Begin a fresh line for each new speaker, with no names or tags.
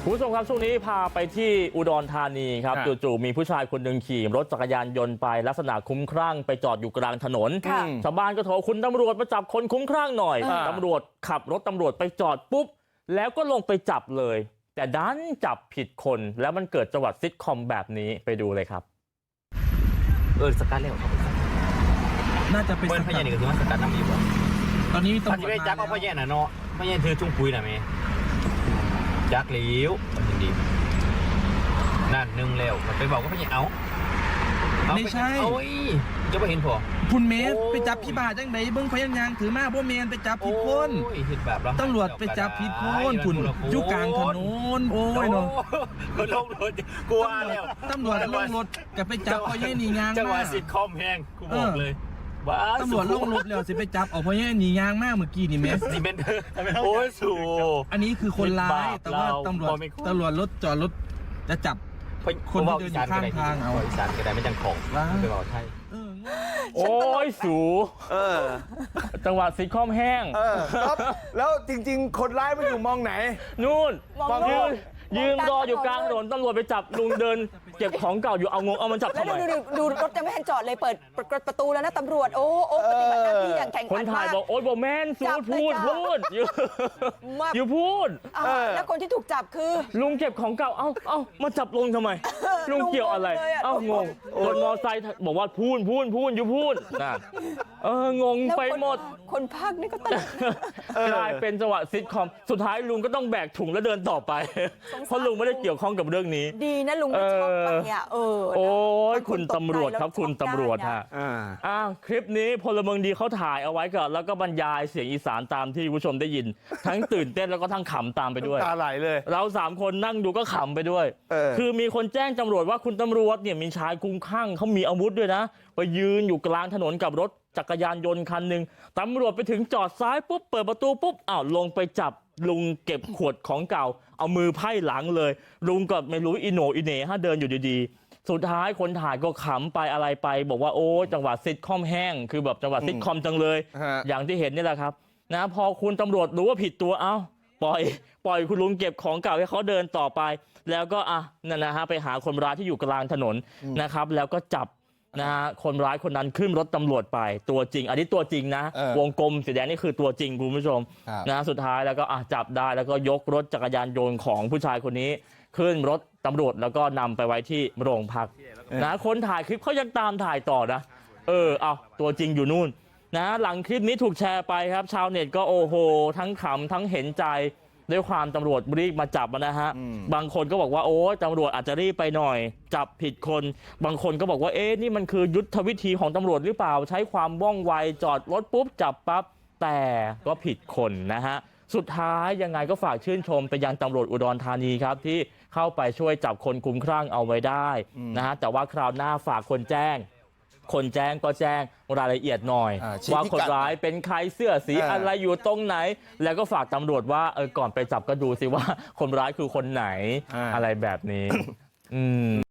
คุณผู้ชมครับช่วงนี้พาไปที่อุดรธานีครับจู่ๆมีผู้ชายคนหนึ่งขี่รถจักรยานยนต์ไปลักษณะคุ้มคลั่งไปจอดอยู่กลางถนนชาวบ้านก็โทรคุณตำรวจมาจับคนคุ้มคลั่งหน่อยตำรวจขับรถตำรวจไปจอดปุ๊บแล้วก็ลงไปจับเลยแต่ดันจับผิดคนแล้วมันเกิดจังหวัดซิทคอมแบบนี้ไปดูเลยครับ
สกัดเร็วครับ
น่าจะเป็น
พยานนี่ก็คือว่าสกัดน้ำดีกว่า
ตอนนี้ตำรวจ
ไปจับเอาพยานน่ะเนาะพยานถือจุ้งปุยน่ะแม่จักเหลียวมันดีนั่นนึงแล้วมันไปบอกว่าพยานเอา
ไม่ใช่
โอ้ยจะไปเห็นพอ
คุณเมธไปจับพี่บาจังไหนเบิ้งพยานยางถือมาพวกเมนไปจับผิดคนตำรวจไปจับผิดคนคุณอยู่กลางถนนโอ้ยเนาะ
ลงรถกลัวแล้ว
ตำรวจลงรถกับไปจับพยานนี่ยาง
จังหวะซิทคอมแห้งกูบอกเลย
ตำรวจลงรถแล้วสิไปจับเอาพยานนี่ยางมากเมื่อกี้นี่เมธ
นี่เป็นโอ้ยสู
อันนี้คือคนร้ายแต่ว่าตำรวจรถจอดรถจะจับคนที่เดินอยู่ข้างทางเอา
อีสานก็ได้ไม่จังของไปบอกไทย
โอ้ยสูจังหวัดซิทคอมแห้ง
แล้วจริงๆคนร้ายมันอยู่มองไหน
นู่นยืนรออยู่กลางถนนตำรวจไปจับลุงเดินเก็บของเก่าอยู่เอามันจับทำไม
ดูรถยังไม่ทันจอดเลยเปิดประตูแล้วนะตำรวจโอ้ปฏิบัติหน้าที่อย่างแข่งขัน
คนถ่ายบอกโอ๊ยบอกแม่นสูพูดอยู่พูด
แล้วคนที่ถูกจับคือ
ลุงเก็บของเก่าเอ้ามาจับลุงทำไมลุงเกี่ยวอะไรงงรถมอไซค์บอกว่าพูนอยู่พูดนะงงไปหมด
คนภาคนี่ก็ตลก
กลายเป็นจังหวะซิทคอมสุดท้ายลุงก็ต้องแบกถุงแล้วเดินต่อไปเพราะลุงไม่ได้เกี่ยวข้องกับเรื่องนี้
ดีนะลุงไม่ชอบไปเนี่ย
โอ้ยคุณตำรวจครับคุณตำรวจฮะคลิปนี้พลเมืองดีเขาถ่ายเอาไว้ก่อนแล้วก็บรรยายเสียงอีสานตามที่ผู้ชมได้ยินทั้งตื่นเต้นแล้วก็ทั้งขำตามไปด้วย
ตาไหลเลย
เรา3คนนั่งดูก็ขำไปด้วยคือมีคนแจ้งตำรวจว่าคุณตำรวจเนี่ยมีชายคุ้มคลั่งเขามีอาวุธด้วยนะไปยืนอยู่กลางถนนกับรถจักรยานยนต์คันหนึ่งตำรวจไปถึงจอดซ้ายปุ๊บเปิดประตูปุ๊บลงไปจับลุงเก็บขวดของเก่าเอามือไพ่หลังเลยลุงก็ไม่รู้อีโหนอีเหน่เดินอยู่ดีๆสุดท้ายคนถ่ายก็ขำไปอะไรไปบอกว่าโอ้จังหวัดซิทคอมแห้งคือแบบจังหวัดซิทคอมจังเลยอย่างที่เห็นนี่แหละครับนะพอคุณตำรวจรู้ว่าผิดตัวปล่อยคุณลุงเก็บของเก่าให้เขาเดินต่อไปแล้วก็นั่นนะฮะไปหาคนร้ายที่อยู่กลางถนนนะครับแล้วก็จับนะฮะคนร้ายคนนั้นขึ้นรถตำรวจไปตัวจริงอันนี้ตัวจริงนะวงกลมสีแดงนี่คือตัวจริงคุณผู้ชมนะสุดท้ายแล้วก็จับได้แล้วก็ยกรถจักรยานยนต์ของผู้ชายคนนี้ขึ้นรถตำรวจแล้วก็นำไปไว้ที่โรงพักนะคนถ่ายคลิปเขายังตามถ่ายต่อนะตัวจริงอยู่นู่นนะหลังคลิปนี้ถูกแชร์ไปครับชาวเน็ตก็โอ้โหทั้งขำทั้งเห็นใจด้วยความตำรวจรีบมาจับนะฮะบางคนก็บอกว่าโอ้ตำรวจอาจจะรีบไปหน่อยจับผิดคนบางคนก็บอกว่านี่มันคือยุทธวิธีของตำรวจหรือเปล่าใช้ความว่องไวจอดรถปุ๊บจับปั๊บแต่ก็ผิดคนนะฮะสุดท้ายยังไงก็ฝากชื่นชมไปยังตำรวจอุดรธานีครับที่เข้าไปช่วยจับคนคุ้มคลั่งเอาไว้ได้นะฮะแต่ว่าคราวหน้าฝากคนแจ้งก็แจ้งรายละเอียดหน่อยว่าคนร้ายเป็นใครเสื้อสีอะไรอยู่ตรงไหนแล้วก็ฝากตำรวจว่าก่อนไปจับก็ดูสิว่าคนร้ายคือคนไหนอะไรแบบนี้